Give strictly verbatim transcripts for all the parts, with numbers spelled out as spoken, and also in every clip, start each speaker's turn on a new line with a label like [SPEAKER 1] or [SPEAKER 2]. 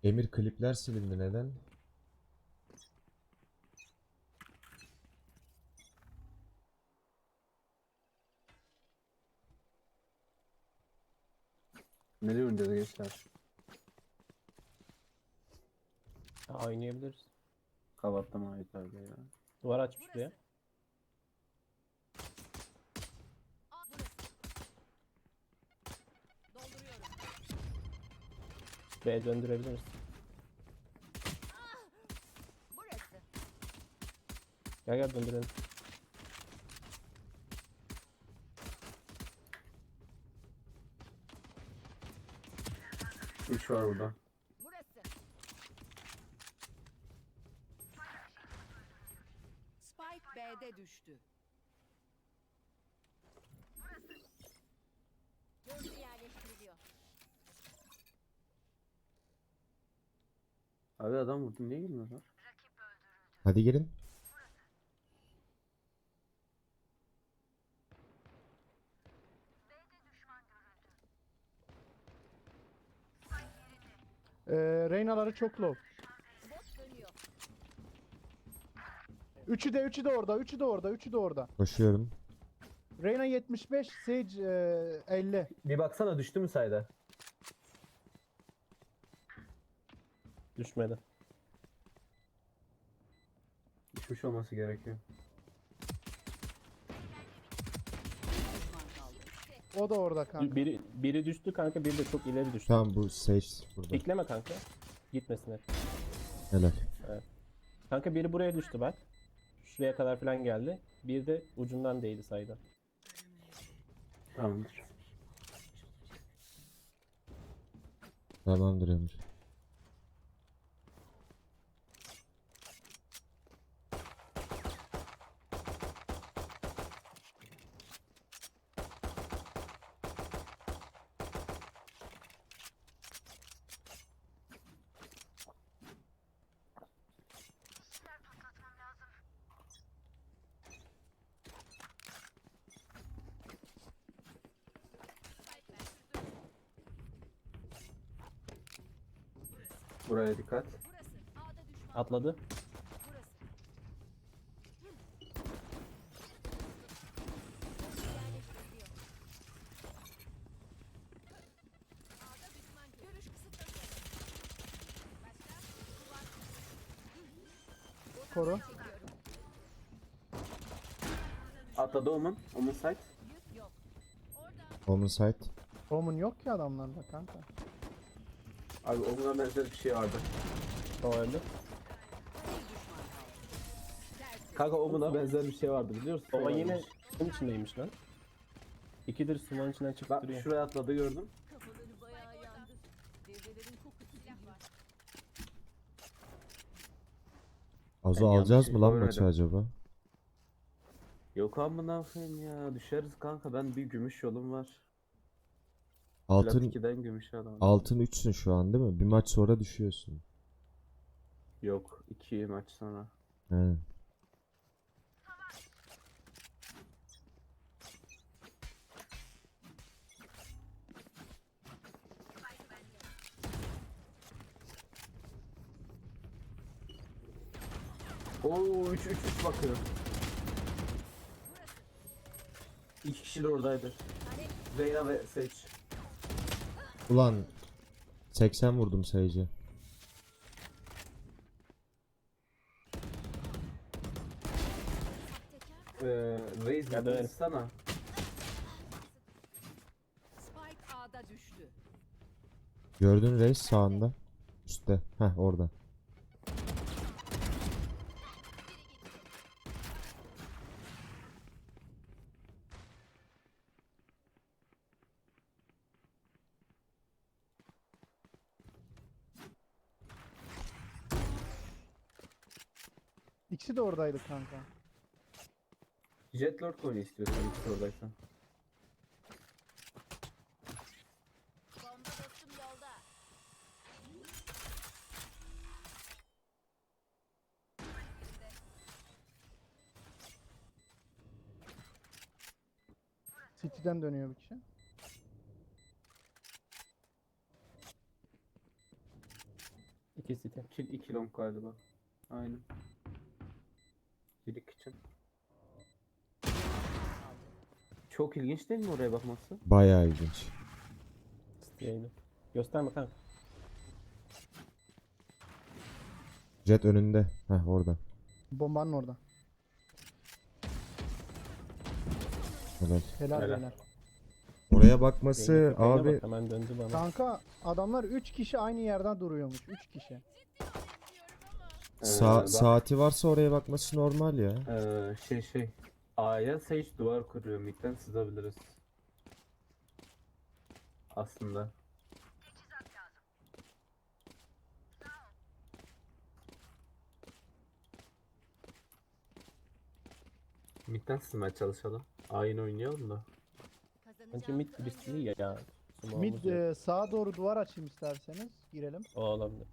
[SPEAKER 1] Emir klipler silindi neden?
[SPEAKER 2] Nereye oynayacağız gençler?
[SPEAKER 3] Ha, oynayabiliriz.
[SPEAKER 2] Kavatlama ait abi ya.
[SPEAKER 3] Duvar açmış buraya. B döndürebiliriz. Gel gel döndürelim.
[SPEAKER 2] Üç var burada.
[SPEAKER 4] Burası. Spike B'de düştü. Gözcü yerleştiriliyor.
[SPEAKER 2] Abi adam vurdu, niye girmiyorlar?
[SPEAKER 1] Hadi girin.
[SPEAKER 5] Ee, Reyna'ları çok low.
[SPEAKER 4] Bot dönüyor.
[SPEAKER 5] Üçü de üçü de orada, üçü de orada, üçü de orada.
[SPEAKER 1] Koşuyorum.
[SPEAKER 5] Reyna yetmiş beş, Sage e, elli.
[SPEAKER 2] Bir baksana düştü mü sayda?
[SPEAKER 3] Düşmedi.
[SPEAKER 2] Düşmüş olması gerekiyor.
[SPEAKER 4] Düşman kaldı.
[SPEAKER 5] O da orada kanka.
[SPEAKER 3] Biri, biri düştü kanka, biri de çok ileri düştü.
[SPEAKER 1] Tamam bu Sage burada.
[SPEAKER 3] Bekleme kanka. Gitmesin hep.
[SPEAKER 1] Helal.
[SPEAKER 3] Kanka biri buraya düştü bak. Şuraya kadar falan geldi. Bir de ucundan değdi sayda.
[SPEAKER 2] Tamamdır.
[SPEAKER 1] Tamamdır Emir.
[SPEAKER 2] Buraya dikkat.
[SPEAKER 4] Burası. A'da düşman.
[SPEAKER 3] Atladı.
[SPEAKER 4] Burası. Gözcü yerleştiriliyor. A'da düşman görüyor. Görüş kısıtlanıyor. Başka? Duvar.
[SPEAKER 5] Koru.
[SPEAKER 4] Çekiyorum.
[SPEAKER 2] Atladı Omen. Omen site.
[SPEAKER 4] Yük yok. Orada.
[SPEAKER 1] Omen site.
[SPEAKER 5] Omun yok ki adamlarda kanka.
[SPEAKER 2] Abi Omen'a benzer bir şey vardı.
[SPEAKER 3] O öldü.
[SPEAKER 4] Bir düşman kaldı. Tersi.
[SPEAKER 2] Kanka Omen'a benzer bir şey vardı biliyor musun?
[SPEAKER 3] O yine suyun içindeymiş lan. İkidir sumanın içinden çıkıp
[SPEAKER 2] Bak
[SPEAKER 3] duruyor.
[SPEAKER 2] şuraya atladı gördüm.
[SPEAKER 4] Kafaları bayağı yandı. Devrelerin kokusu silah var.
[SPEAKER 1] Azo
[SPEAKER 2] Ben yanlış
[SPEAKER 1] alacağız
[SPEAKER 2] şey
[SPEAKER 1] mı lan
[SPEAKER 2] görmedim.
[SPEAKER 1] maçı acaba?
[SPEAKER 2] Yok amına koyayım ya. Düşeriz kanka. Ben bir gümüş yolum var. Plat
[SPEAKER 1] Altın
[SPEAKER 2] ikiden gümüşe adam.
[SPEAKER 1] altın üçsün şu an değil mi? Bir maç sonra düşüyorsun.
[SPEAKER 2] Yok. iki maç sonra.
[SPEAKER 1] He.
[SPEAKER 2] Oo üç üç üç bakıyor. İki kişi de oradaydı. Reyna ve Sage.
[SPEAKER 1] Ulan seksen vurdum Sage'e.
[SPEAKER 2] Ee, Raze
[SPEAKER 3] Ya dönelim.
[SPEAKER 2] sana.
[SPEAKER 4] Spike A'da düştü.
[SPEAKER 1] Gördün reis sağında. Üstte. Heh orada.
[SPEAKER 5] İkisi de oradaydı kanka.
[SPEAKER 2] Jetlord oyunu istiyorsan ikisi oradaysan.
[SPEAKER 4] Bomba dostum yolda.
[SPEAKER 5] City'den dönüyor bir kişi.
[SPEAKER 3] İki city.
[SPEAKER 2] İki, iki long galiba. Aynen. Bir kitchen. Çok ilginç değil mi oraya bakması?
[SPEAKER 1] Bayağı ilginç.
[SPEAKER 3] City'ydi. Gösterme kanka.
[SPEAKER 1] Jet önünde. Heh orada.
[SPEAKER 5] Bombanın orada.
[SPEAKER 1] Helal.
[SPEAKER 5] Helal
[SPEAKER 2] Helal.
[SPEAKER 5] helal.
[SPEAKER 1] Oraya bakması
[SPEAKER 3] Zeynep köpeğine
[SPEAKER 1] abi
[SPEAKER 3] bak, hemen döndü bana.
[SPEAKER 5] Kanka adamlar üç kişi aynı yerden duruyormuş. üç kişi.
[SPEAKER 1] sa-
[SPEAKER 2] Ee, bak-
[SPEAKER 1] saati varsa oraya bakması normal ya.
[SPEAKER 2] Ee, şey şey. A'ya Sage duvar kuruyor. Mid'den sızabiliriz. Aslında. Mid'den sızmaya çalışalım. A'yı oynayalım da.
[SPEAKER 3] Bence mid birisi iyi ya. ya.
[SPEAKER 5] Mid
[SPEAKER 3] Smoke'umuz yok.
[SPEAKER 5] e, sağa doğru duvar açayım isterseniz. Girelim.
[SPEAKER 3] O olabilir.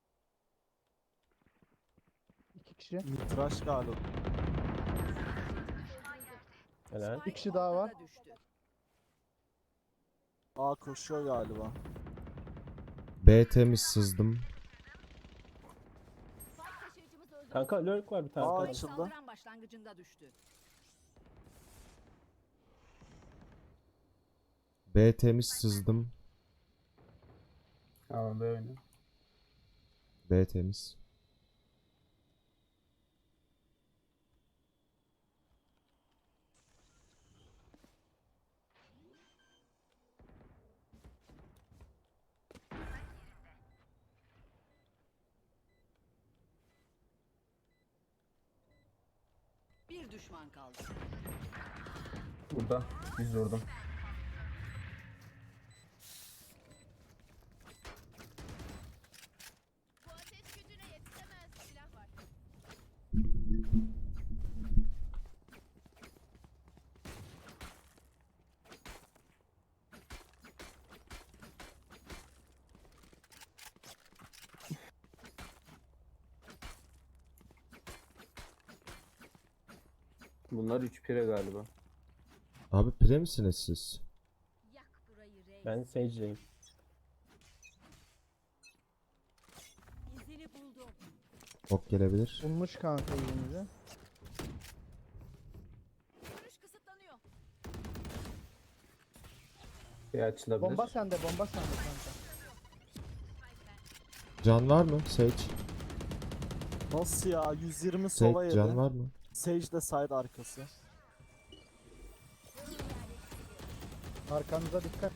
[SPEAKER 5] İki kişi.
[SPEAKER 6] Mitraş galiba.
[SPEAKER 3] Helal.
[SPEAKER 5] Bir kişi daha var.
[SPEAKER 6] A koşuyor galiba.
[SPEAKER 1] B temiz sızdım.
[SPEAKER 3] Kanka lurk var bir tane.
[SPEAKER 6] Aa,
[SPEAKER 3] kanka.
[SPEAKER 6] açıldı.
[SPEAKER 4] Saldıran başlangıcında düştü.
[SPEAKER 1] B temiz sızdım.
[SPEAKER 2] Tamam böyle.
[SPEAKER 1] B temiz.
[SPEAKER 4] Bir düşman kaldı.
[SPEAKER 2] Burada. Biz vurdum.
[SPEAKER 4] Bu ateş gücüne yetişemez silah var.
[SPEAKER 2] Bunlar üç pire galiba.
[SPEAKER 1] Abi pire misiniz siz?
[SPEAKER 4] Yak burayı Rey.
[SPEAKER 3] Ben Sage'deyim.
[SPEAKER 4] İzini buldum.
[SPEAKER 1] Ok gelebilir.
[SPEAKER 5] Bulmuş kanka elimizi.
[SPEAKER 4] Görüş kısıtlanıyor.
[SPEAKER 2] Bir açılabilir.
[SPEAKER 5] Bomba sende, bomba sende kanka.
[SPEAKER 1] Can var mı? Sage.
[SPEAKER 6] Nasıl ya? yüz yirmi sola
[SPEAKER 1] Sage
[SPEAKER 6] yedi.
[SPEAKER 1] can var mı?
[SPEAKER 6] Sage de side arkası.
[SPEAKER 5] Arkanıza dikkat.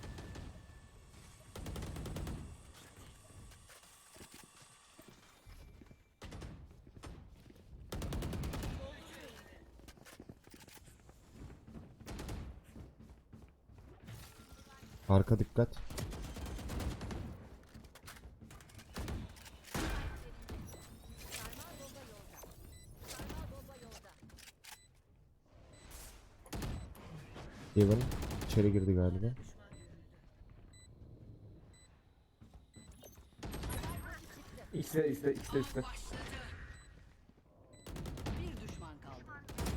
[SPEAKER 1] Arka dikkat.
[SPEAKER 4] Sarmal bomba yolda. Sarmal bomba yolda.
[SPEAKER 1] Even içeri girdi galiba.
[SPEAKER 2] İşte işte işte işte.
[SPEAKER 4] Bir düşman kaldı.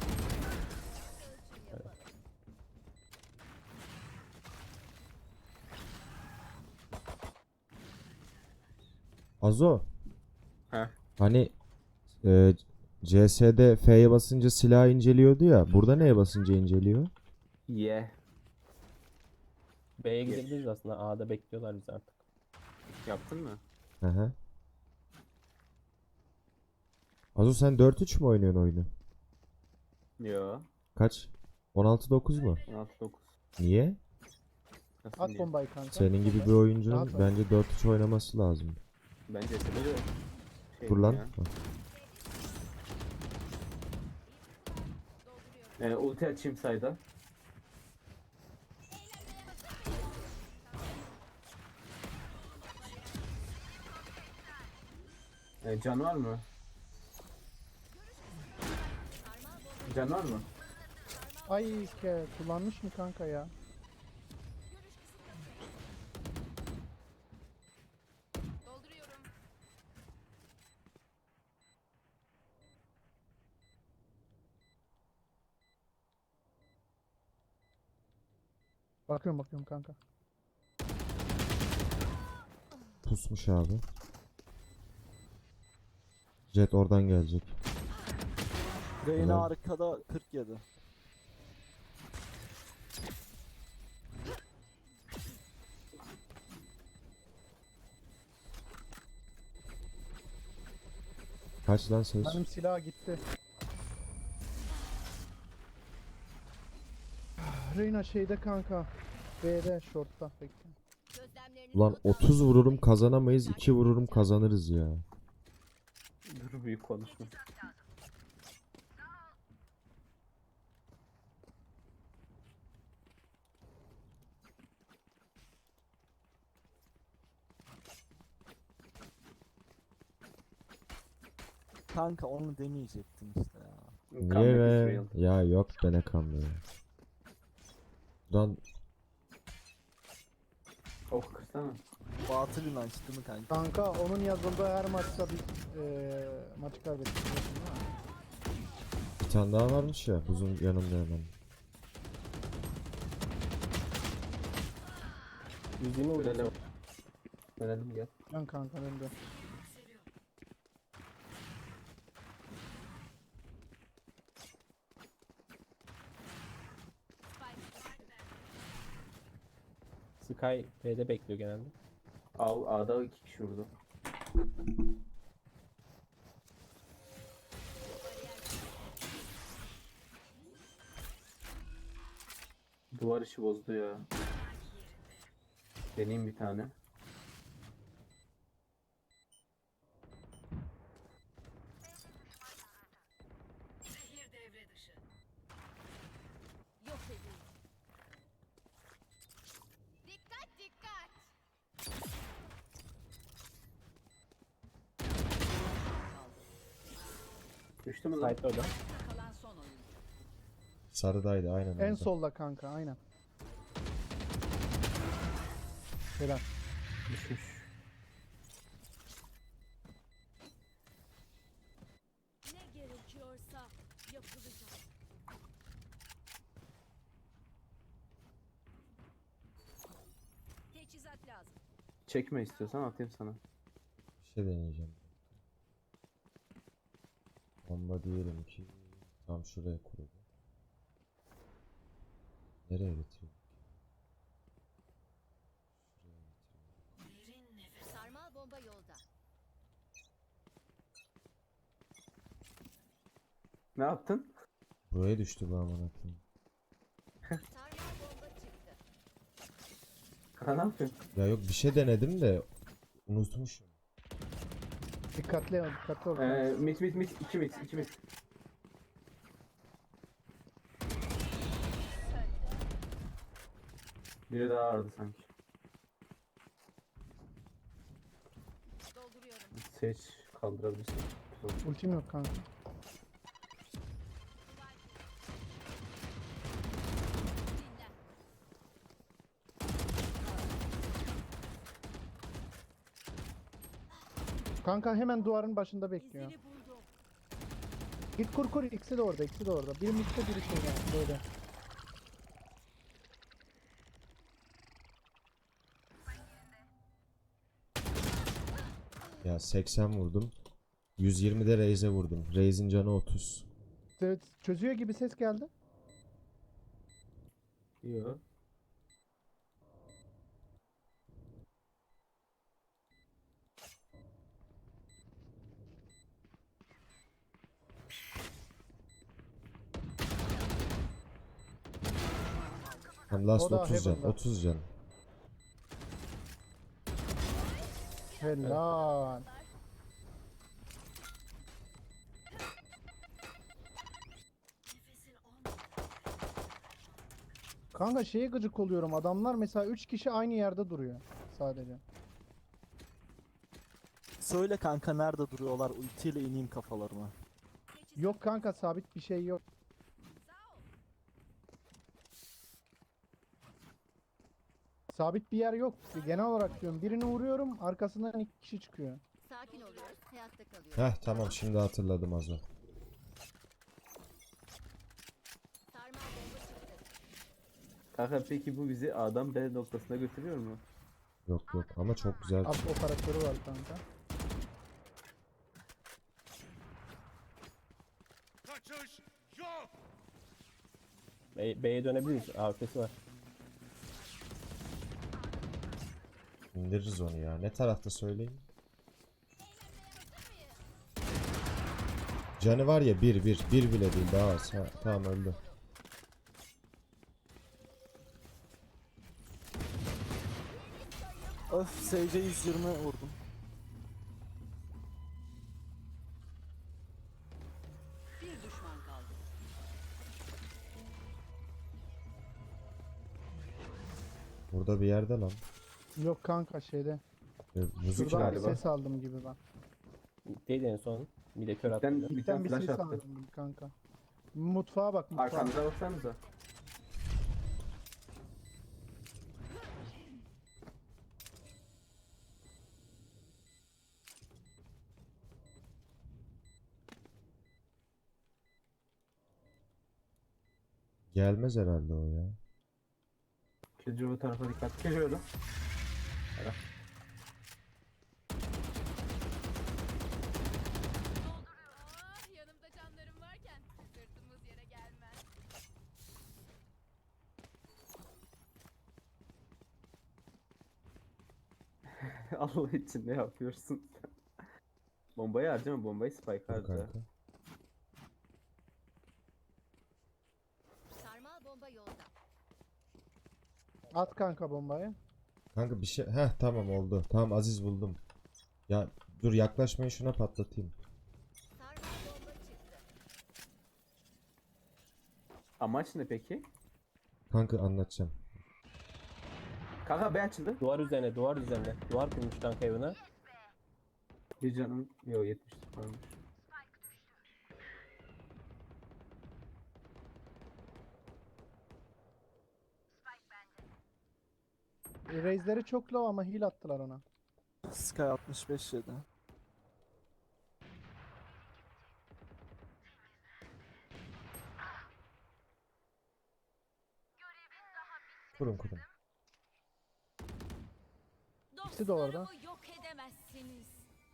[SPEAKER 1] Azo.
[SPEAKER 2] Heh.
[SPEAKER 1] Hani e, C S'de F'ye basınca silah inceliyordu ya. Burada neye basınca inceliyor?
[SPEAKER 2] Ye.
[SPEAKER 3] B'ye gidebiliriz aslında. A'da bekliyorlar bizi artık.
[SPEAKER 2] Yaptın mı?
[SPEAKER 1] Hı hı. Azo sen dört üç mü oynuyorsun oyunu?
[SPEAKER 2] Yo.
[SPEAKER 1] Kaç? on altı dokuz mu?
[SPEAKER 2] on altı dokuz.
[SPEAKER 1] Niye?
[SPEAKER 2] Nasıl
[SPEAKER 5] At
[SPEAKER 2] diyeyim?
[SPEAKER 5] bombayı kanka.
[SPEAKER 1] Senin gibi bir oyuncunun
[SPEAKER 5] Rahat ol.
[SPEAKER 1] bence dört üç oynaması lazım.
[SPEAKER 2] Bence de böyle şey
[SPEAKER 1] Dur lan.
[SPEAKER 2] ya. Ee, ulti açayım sayda. Ee, can var mı? Can var mı?
[SPEAKER 5] Ay ke kullanmış mı kanka ya?
[SPEAKER 4] Dolduruyorum.
[SPEAKER 5] Bakıyorum bakıyorum kanka.
[SPEAKER 1] Pusmuş abi. Jet oradan gelecek.
[SPEAKER 6] Reyna
[SPEAKER 1] Helal.
[SPEAKER 6] arkada kırk yedi.
[SPEAKER 1] Kaç lan ses?
[SPEAKER 5] Benim silah gitti. Reyna şeyde kanka. B'de shortta bekle.
[SPEAKER 4] Gözlemlerinizi
[SPEAKER 1] Ulan
[SPEAKER 4] not
[SPEAKER 1] otuz
[SPEAKER 4] alın.
[SPEAKER 1] vururum kazanamayız, iki vururum kazanırız ya.
[SPEAKER 2] Dur büyük konuşma.
[SPEAKER 6] Kanka onu demeyecektin işte ya.
[SPEAKER 1] Niye
[SPEAKER 2] Comeback is
[SPEAKER 1] be?
[SPEAKER 2] real.
[SPEAKER 1] Ya yok be ne kanlı ya. Buradan
[SPEAKER 2] Oh kırsana.
[SPEAKER 6] Batıl inanç değil mi kanka?
[SPEAKER 5] Kanka onun yazıldığı her maçta bir eee maçı kaybettik. biliyorsun değil mi?
[SPEAKER 1] bir tane daha varmış ya buzun yanında hemen.
[SPEAKER 3] yüz yirmi vurdum.
[SPEAKER 2] Dönelim. Dönelim gel.
[SPEAKER 5] Lan kanka ben de.
[SPEAKER 3] Sky B'de bekliyor genelde.
[SPEAKER 2] Al A'da iki kişi vurdu. Duvar işi bozdu ya. Deneyeyim bir tane.
[SPEAKER 4] Yok edin. Dikkat dikkat.
[SPEAKER 2] Düştü mü lan?
[SPEAKER 3] Site orada.
[SPEAKER 4] Kalan son oyun.
[SPEAKER 1] Sarıdaydı aynen
[SPEAKER 5] En
[SPEAKER 1] orada.
[SPEAKER 5] solda kanka aynen. Helal.
[SPEAKER 2] Düşmüş.
[SPEAKER 4] Ne gerekiyorsa yapılacak. Teçhizat lazım.
[SPEAKER 2] Çekme istiyorsan atayım sana.
[SPEAKER 1] Bir şey deneyeceğim. Bomba diyelim ki tam şuraya kuruldu. Nereye getiriyor?
[SPEAKER 4] Sarmal bomba yolda.
[SPEAKER 2] Ne yaptın?
[SPEAKER 1] Buraya düştü bu aman akıyım.
[SPEAKER 4] Sarmal bomba çıktı.
[SPEAKER 2] Ha, ne yapıyorsun?
[SPEAKER 1] Ya yok bir şey denedim de unutmuşum.
[SPEAKER 5] Dikkatli ol, dikkatli ol.
[SPEAKER 2] Ee, mit mit mit. iki mit. iki mit. Biri daha vardı sanki.
[SPEAKER 4] Dolduruyorum.
[SPEAKER 2] Seç kaldırabilirsin.
[SPEAKER 5] Ultim yok kanka.
[SPEAKER 4] Dinlen.
[SPEAKER 5] Kanka hemen duvarın başında bekliyor.
[SPEAKER 4] İzini buldum.
[SPEAKER 5] Git kur kur, ikisi de orada, ikisi de orada. Biri mitte, biri şeyde böyle.
[SPEAKER 1] Ya seksen vurdum. yüz yirmi de Raze'e vurdum. Raze'in canı otuz.
[SPEAKER 5] Evet, çözüyor gibi ses geldi.
[SPEAKER 2] Yok.
[SPEAKER 1] Tam last
[SPEAKER 5] O da
[SPEAKER 1] otuz can.
[SPEAKER 5] Heaven'da.
[SPEAKER 1] otuz can.
[SPEAKER 5] Helal. Kanka şeye gıcık oluyorum. Adamlar mesela üç kişi aynı yerde duruyor sadece.
[SPEAKER 6] Söyle kanka nerede duruyorlar, ultiyle ineyim kafalarına.
[SPEAKER 5] Yok kanka, sabit bir şey yok. Sabit bir yer yok. Genel olarak diyorum. Birini vuruyorum, arkasından iki kişi çıkıyor.
[SPEAKER 4] Sakin oluyoruz. Hayatta kalıyoruz.
[SPEAKER 1] Heh tamam şimdi hatırladım az o.
[SPEAKER 4] Sarmal bomba çıktı.
[SPEAKER 2] Kanka peki bu bizi A'dan B noktasına götürüyor mu?
[SPEAKER 1] Yok yok ama çok güzel.
[SPEAKER 5] Ab operatörü var kanka.
[SPEAKER 3] B- B'ye dönebiliriz. Arkası var.
[SPEAKER 1] İndiririz onu ya. Ne tarafta söyleyin. Canı var ya bir bir. Bir bile değil daha az. Ha, tamam öldü.
[SPEAKER 6] Öf Sage'e yüz yirmi vurdum.
[SPEAKER 4] Bir düşman kaldı.
[SPEAKER 1] Burada bir yerde lan.
[SPEAKER 5] Yok kanka şeyde.
[SPEAKER 1] E, müzik
[SPEAKER 5] Şuradan bir
[SPEAKER 2] galiba.
[SPEAKER 5] ses aldım gibi ben.
[SPEAKER 3] Mid'deydi en son. Bir de kör attı.
[SPEAKER 2] Mid'den, mid'den
[SPEAKER 5] Midden bir
[SPEAKER 2] flash
[SPEAKER 5] ses
[SPEAKER 2] attı.
[SPEAKER 5] aldım gibi kanka. Mutfağa bak mutfağa.
[SPEAKER 2] Arkanıza baksanıza.
[SPEAKER 1] gelmez herhalde o ya.
[SPEAKER 2] Killjoy bu tarafa dikkat. Killjoy öldü.
[SPEAKER 4] Ah, yanımda canlarım varken sırtımız yere gelmez.
[SPEAKER 2] Allah için ne yapıyorsun sen? Bombayı harcama, bombayı spike
[SPEAKER 1] Dur
[SPEAKER 2] harca.
[SPEAKER 1] kanka.
[SPEAKER 4] Sarmal bomba yolda.
[SPEAKER 5] At kanka bombayı.
[SPEAKER 1] Kanka bir şey. Heh tamam oldu. Tamam Aziz buldum. Ya dur yaklaşmayın şuna patlatayım.
[SPEAKER 4] Sarmal bomba çıktı.
[SPEAKER 2] Amaç ne peki?
[SPEAKER 1] Kanka anlatacağım.
[SPEAKER 2] Kanka B açıldı.
[SPEAKER 3] Duvar üzerine, duvar üzerine. Duvar kurmuş kanka evine.
[SPEAKER 2] Bir canım. Yo yetmiş varmış.
[SPEAKER 5] E, Raze'leri çok low ama heal attılar ona.
[SPEAKER 6] Sky altmış beş yedi.
[SPEAKER 1] Kurun kurun.
[SPEAKER 5] İkisi de orada.
[SPEAKER 4] Dostlarımı yok edemezsiniz.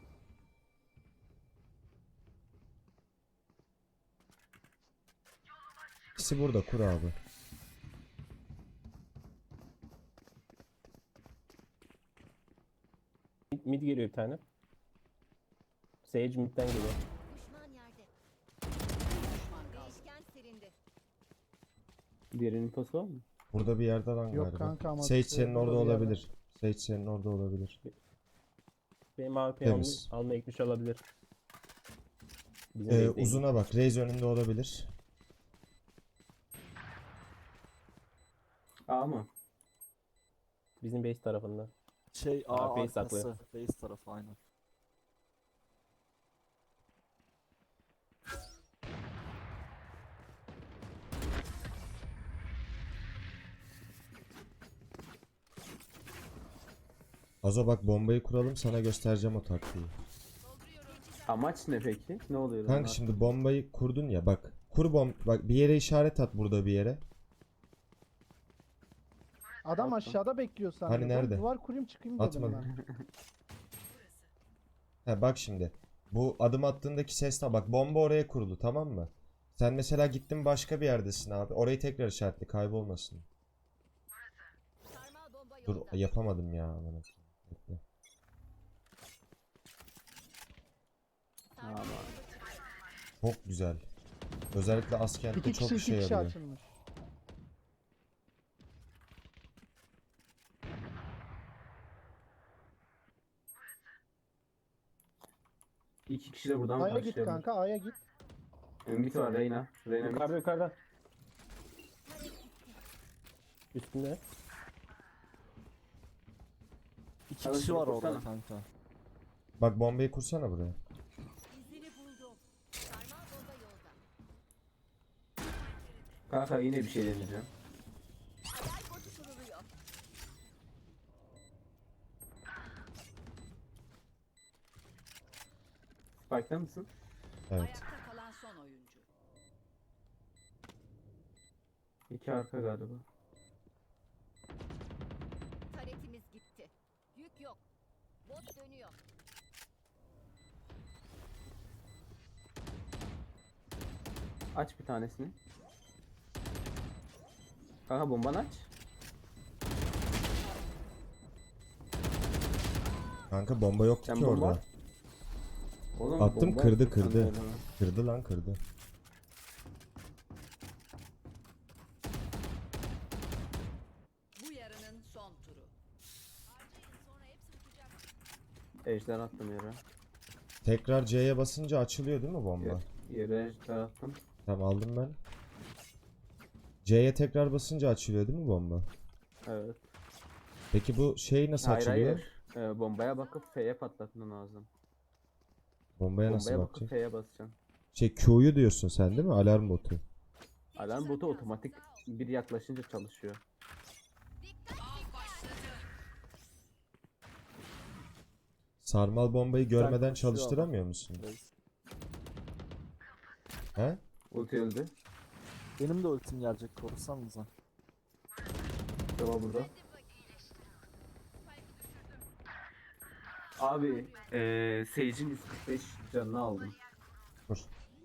[SPEAKER 1] İkisi burada kur abi.
[SPEAKER 3] Mid, mid geliyor bir tane. Sage midden geliyor.
[SPEAKER 4] Düşman yerde. Bir düşman kaldı. Değişken silindi.
[SPEAKER 2] Diğerinin infosu var mı?
[SPEAKER 1] Burada bir yerde lan
[SPEAKER 5] Yok
[SPEAKER 1] galiba.
[SPEAKER 5] kanka ama
[SPEAKER 1] Sage
[SPEAKER 5] işte
[SPEAKER 1] senin
[SPEAKER 5] burada
[SPEAKER 1] orada
[SPEAKER 5] bir yerde.
[SPEAKER 1] olabilir. Sage senin orada olabilir.
[SPEAKER 3] Benim A P'yi almaya,
[SPEAKER 1] Temiz.
[SPEAKER 3] almaya gitmiş olabilir. Bizim
[SPEAKER 1] Ee,
[SPEAKER 3] base'deydi.
[SPEAKER 1] uzuna bak. Raze önünde olabilir.
[SPEAKER 2] A mı?
[SPEAKER 3] Bizim base tarafında.
[SPEAKER 6] Şey A
[SPEAKER 3] Aa, base
[SPEAKER 6] arkası.
[SPEAKER 3] saklı.
[SPEAKER 6] Base tarafı aynen.
[SPEAKER 1] Azo bak bombayı kuralım sana göstereceğim o taktiği.
[SPEAKER 2] Amaç ne peki? Ne oluyor?
[SPEAKER 1] Kanka
[SPEAKER 2] lan?
[SPEAKER 1] şimdi bombayı kurdun ya bak. Kur bom bak bir yere işaret at burada bir yere.
[SPEAKER 5] Adam
[SPEAKER 2] Attım.
[SPEAKER 5] aşağıda bekliyor sandım.
[SPEAKER 1] Hani
[SPEAKER 5] Ben
[SPEAKER 1] nerede?
[SPEAKER 5] duvar kurayım çıkayım dedim
[SPEAKER 1] Atmadım.
[SPEAKER 5] ben.
[SPEAKER 1] Ha bak şimdi. Bu adım attığındaki sesle bak bomba oraya kurulu tamam mı? Sen mesela gittin başka bir yerdesin abi. Orayı tekrar işaretle kaybolmasın.
[SPEAKER 4] Sarmal bomba
[SPEAKER 1] Dur
[SPEAKER 4] yolda.
[SPEAKER 1] yapamadım ya. Aman Allah'ım. Bekle.
[SPEAKER 4] Sarmal
[SPEAKER 2] Tamam.
[SPEAKER 4] bomba çıktı.
[SPEAKER 1] Çok güzel. Özellikle askerde
[SPEAKER 5] İki
[SPEAKER 1] çok
[SPEAKER 5] kişi
[SPEAKER 1] işe
[SPEAKER 5] iki kişi
[SPEAKER 1] yarıyor.
[SPEAKER 5] açılmış.
[SPEAKER 2] İki kişi de buradan
[SPEAKER 5] A'ya git
[SPEAKER 2] başlayalım.
[SPEAKER 5] kanka A'ya git.
[SPEAKER 2] Ümit var Reyna. Reyna mid.
[SPEAKER 3] Yukarıda yukarıda. Üstünde.
[SPEAKER 6] İki
[SPEAKER 2] Hadi
[SPEAKER 6] kişi
[SPEAKER 2] şunu
[SPEAKER 6] var orada
[SPEAKER 2] kursana.
[SPEAKER 6] kanka.
[SPEAKER 1] Bak bombayı kursana buraya.
[SPEAKER 4] İzini buldum. Sarmal bomba yolda.
[SPEAKER 2] Kanka yine bir şey deneyeceğim.
[SPEAKER 4] Aday botu kuruluyor.
[SPEAKER 2] Spike'da mısın?
[SPEAKER 1] Evet.
[SPEAKER 4] Ayakta kalan son oyuncu.
[SPEAKER 2] İki arka galiba.
[SPEAKER 4] Taretimiz gitti. Yük yok. Bot dönüyor.
[SPEAKER 2] Aç bir tanesini. Kanka bombanı aç.
[SPEAKER 1] Kanka bomba yoktu
[SPEAKER 2] Sen
[SPEAKER 1] ki
[SPEAKER 2] bomba
[SPEAKER 1] orada.
[SPEAKER 2] at. Oğlum,
[SPEAKER 1] Attım,
[SPEAKER 2] bomba
[SPEAKER 1] kırdı,
[SPEAKER 2] attık sen
[SPEAKER 1] kırdı.
[SPEAKER 2] de öyle mi?
[SPEAKER 1] Kırdı lan kırdı.
[SPEAKER 7] Bu yarının son turu.
[SPEAKER 4] Harcayın sonra hepsi uçacak.
[SPEAKER 2] Ejder attım yere.
[SPEAKER 1] Tekrar C'ye basınca açılıyor değil mi bomba?
[SPEAKER 2] Yer- Yere ejder attım.
[SPEAKER 1] Tamam aldım ben. C'ye tekrar basınca açılıyor değil mi bomba?
[SPEAKER 2] Evet.
[SPEAKER 1] Peki bu şey nasıl
[SPEAKER 2] Hayır
[SPEAKER 1] açılıyor?
[SPEAKER 2] hayır. Ee, bombaya bakıp F'ye patlatman lazım.
[SPEAKER 1] Bombaya nasıl
[SPEAKER 2] Bombaya bakıp
[SPEAKER 1] bakacak?
[SPEAKER 2] F'ye basacaksın.
[SPEAKER 1] Şey Q'yu diyorsun sen değil mi? Alarm botu.
[SPEAKER 2] Alarm botu otomatik bir yaklaşınca çalışıyor.
[SPEAKER 7] Av başladı.
[SPEAKER 1] Sarmal bombayı görmeden
[SPEAKER 6] koşuyor
[SPEAKER 1] çalıştıramıyor musun? He?
[SPEAKER 2] Ulti öldü.
[SPEAKER 6] Benim de ultim gelecek, korusanıza.
[SPEAKER 2] Deva burada. Abi eee Sage'in yüz kırk beş canını aldım.
[SPEAKER 1] Dur.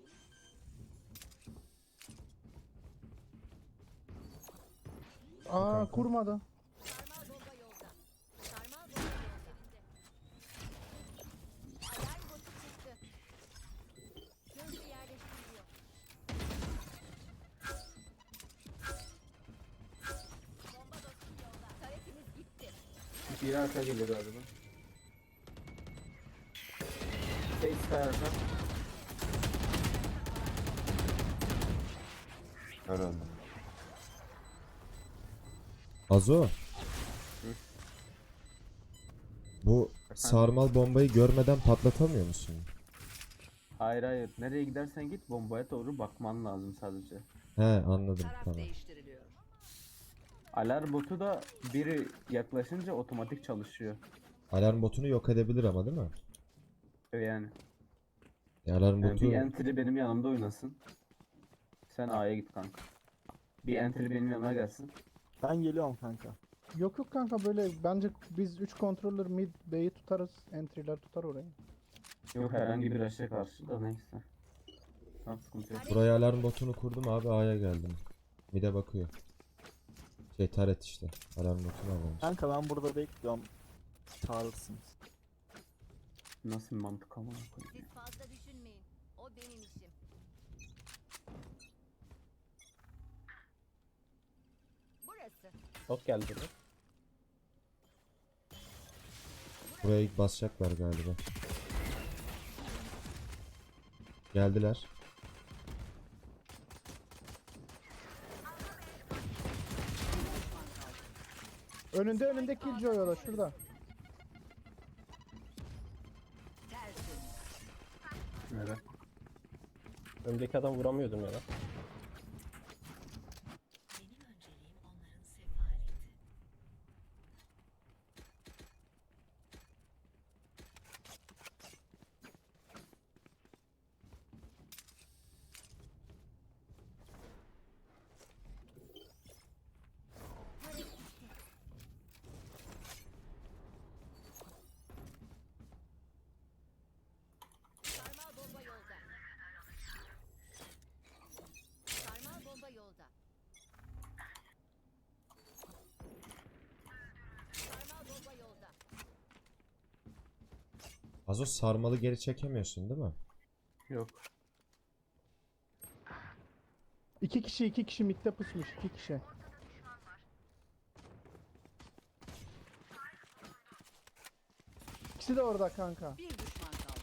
[SPEAKER 5] Aa
[SPEAKER 1] kanka.
[SPEAKER 5] kurmadı.
[SPEAKER 4] Sarmal bomba yolda. Sarmal bomba yolda. Alarm botu çıktı. Gözcü yerleştiriliyor. Bomba dostum yolda. Taretimiz gitti.
[SPEAKER 2] Bir arka geliyor galiba. Sage kayarsa.
[SPEAKER 8] Herhalde.
[SPEAKER 1] Azo. Bu sarmal bombayı görmeden patlatamıyor musun?
[SPEAKER 2] Hayır hayır. Nereye gidersen git bombaya doğru bakman lazım sadece.
[SPEAKER 1] He anladım
[SPEAKER 7] Taraf
[SPEAKER 1] tamam.
[SPEAKER 7] değiştiriliyor.
[SPEAKER 2] Alarm botu da biri yaklaşınca otomatik çalışıyor.
[SPEAKER 1] Alarm botunu yok edebilir ama değil mi?
[SPEAKER 2] Yani.
[SPEAKER 1] Ya alarm
[SPEAKER 2] Yani
[SPEAKER 1] botu
[SPEAKER 2] bir entry benim yanımda oynasın. Sen A'ya git kanka. Bir entry benim yanıma gelsin.
[SPEAKER 6] Ben geliyorum kanka.
[SPEAKER 5] Yok yok kanka böyle bence biz üç controller mid B'yi tutarız. Entry'ler tutar orayı.
[SPEAKER 2] Yok herhangi bir rush'a karşı da neyse. Tamam sıkıntı yok.
[SPEAKER 1] buraya alarm botunu kurdum abi A'ya geldim. Mide bakıyor. Şey taret işte. Alarm botunu almış.
[SPEAKER 6] Kanka ben burada bekliyorum. Çağırırsınız.
[SPEAKER 2] Nasıl bir mantık ama
[SPEAKER 4] Siz fazla düşünmeyin. O benim işim. Burası.
[SPEAKER 3] Hop geldi buraya.
[SPEAKER 1] Buraya ilk basacaklar galiba. Geldiler.
[SPEAKER 5] Önünde önünde Killjoy o da şurada.
[SPEAKER 7] Tersin.
[SPEAKER 2] Nere?
[SPEAKER 3] Öndeki adam vuramıyordum ya.
[SPEAKER 4] Sarmal bomba yolda. Sarmal bomba yolda. Sarmal bomba yolda.
[SPEAKER 1] Azo sarmalı geri çekemiyorsun değil mi?
[SPEAKER 2] Yok.
[SPEAKER 5] İki kişi iki kişi midde pusmuş iki kişi. İkisi de orada kanka.
[SPEAKER 7] Bir düşman kaldı.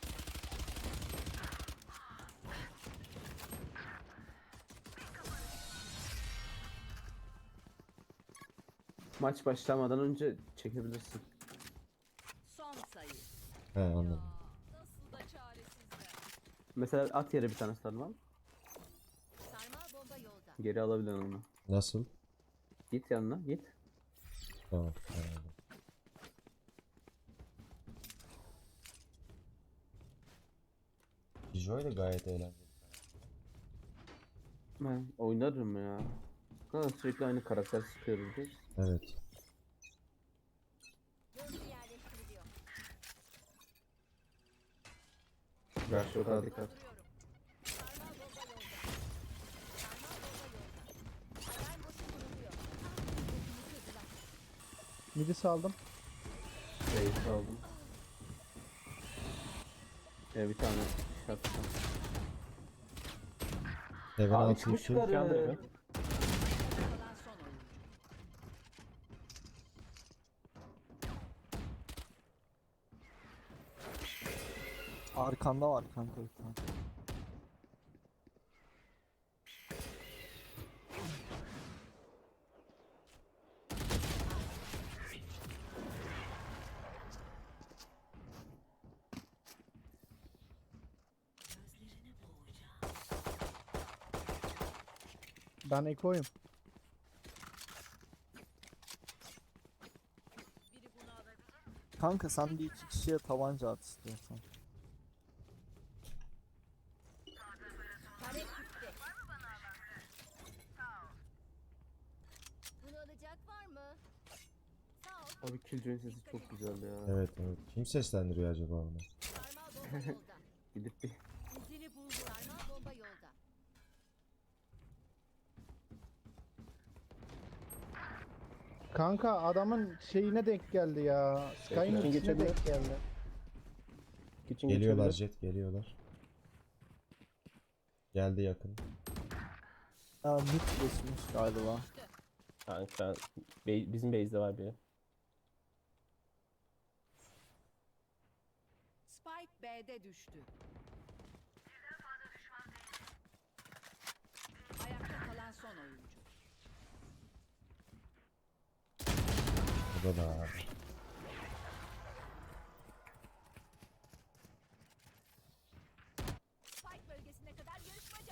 [SPEAKER 2] Maç başlamadan önce çekebilirsin.
[SPEAKER 7] Son sayı.
[SPEAKER 1] He anladım.
[SPEAKER 4] Nasıl da çaresizler.
[SPEAKER 2] Mesela at yere bir tane sarmal.
[SPEAKER 4] Sarmal bomba yolda.
[SPEAKER 2] Geri alabilirsin onu.
[SPEAKER 1] Nasıl?
[SPEAKER 2] Git yanına git.
[SPEAKER 1] Tamam. Anladım. Joy da gayet eğlenceli.
[SPEAKER 2] Ben oynarım ya. Kanka sürekli aynı karakter sıkıyoruz biz.
[SPEAKER 1] Evet.
[SPEAKER 4] Gözcü yerleştiriliyor.
[SPEAKER 2] Ver şu kadar dikkat.
[SPEAKER 4] Dolduruyorum. Sarmal bomba yolda. Sarmal bomba yolda. Alarm botu kuruluyor.
[SPEAKER 5] Midi saldım.
[SPEAKER 2] Reis aldım. Ee, bir tane şapka.
[SPEAKER 1] Heaven
[SPEAKER 2] Abi
[SPEAKER 1] altı
[SPEAKER 2] çıkmış
[SPEAKER 1] iki.
[SPEAKER 2] karı.
[SPEAKER 3] Yandı mı?
[SPEAKER 7] Kalan son oyuncu.
[SPEAKER 6] Arkanda var kanka bir tane.
[SPEAKER 5] Ben ekoyum.
[SPEAKER 6] Kanka sen bir iki kişiye tabanca at istiyorsan.
[SPEAKER 4] Tarek gitti. Bunu alacak var mı? Sağ ol.
[SPEAKER 2] Abi Killjoy'un sesi çok güzel ya.
[SPEAKER 1] Evet evet. Kim seslendiriyor acaba onu?
[SPEAKER 4] Sarmal bomba yolda.
[SPEAKER 2] Gidip bir
[SPEAKER 4] İzini buldu. Sarmal bomba yolda.
[SPEAKER 5] Kanka adamın şeyine denk geldi ya. Sky'ın
[SPEAKER 3] Bekle.
[SPEAKER 5] ikisine
[SPEAKER 3] Geçebilir.
[SPEAKER 5] denk geldi.
[SPEAKER 3] Kitchen
[SPEAKER 1] Geliyorlar
[SPEAKER 3] geçebilir.
[SPEAKER 1] Jet geliyorlar. Geldi yakın.
[SPEAKER 6] Aa, mid geçmiş galiba.
[SPEAKER 3] Kanka be- bizim base'de var biri.
[SPEAKER 7] Spike B'de düştü. Ayakta kalan son oyuncu.
[SPEAKER 1] Bu da da abi.
[SPEAKER 4] Spike bölgesine kadar yarışmaca.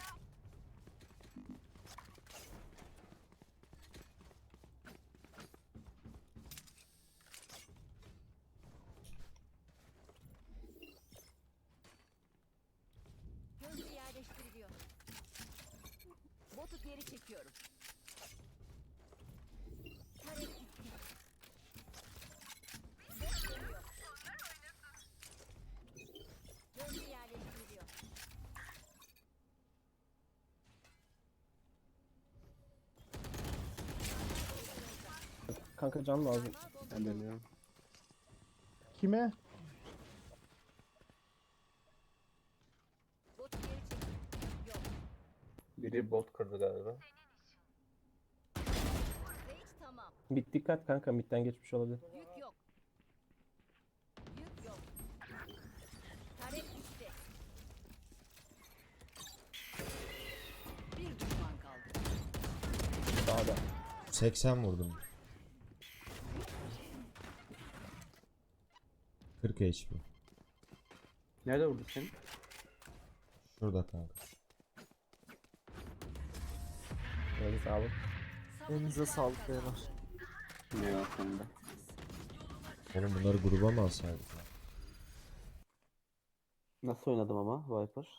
[SPEAKER 4] Gözcü yerleştiriliyor. Botu geri çekiyorum. Tarek gitti. Bot dönüyor. Gözcü yerleştiriliyor.
[SPEAKER 3] Kanka can lazım.
[SPEAKER 4] Sarmal bomba
[SPEAKER 2] ben
[SPEAKER 4] yolda.
[SPEAKER 2] dönüyorum.
[SPEAKER 5] Kime?
[SPEAKER 4] Botu geri çekiyorum. Yok.
[SPEAKER 2] Biri bot kırdı galiba.
[SPEAKER 4] Sage tamam.
[SPEAKER 3] Mid dikkat kanka, midden geçmiş olabilir.
[SPEAKER 4] Yük yok. Yük yok. Tarek gitti.
[SPEAKER 7] Bir düşman kaldı.
[SPEAKER 3] Sağda.
[SPEAKER 1] seksen vurdum. kırk H P.
[SPEAKER 2] Nerede vurdu seni?
[SPEAKER 1] Şurada kanka.
[SPEAKER 3] Neyse sağlık.
[SPEAKER 6] Elinize sağlık beyler.
[SPEAKER 2] Ne ya sonunda?
[SPEAKER 1] Oğlum bunları gruba mı alsaydık ya?
[SPEAKER 2] Nasıl oynadım ama Viper?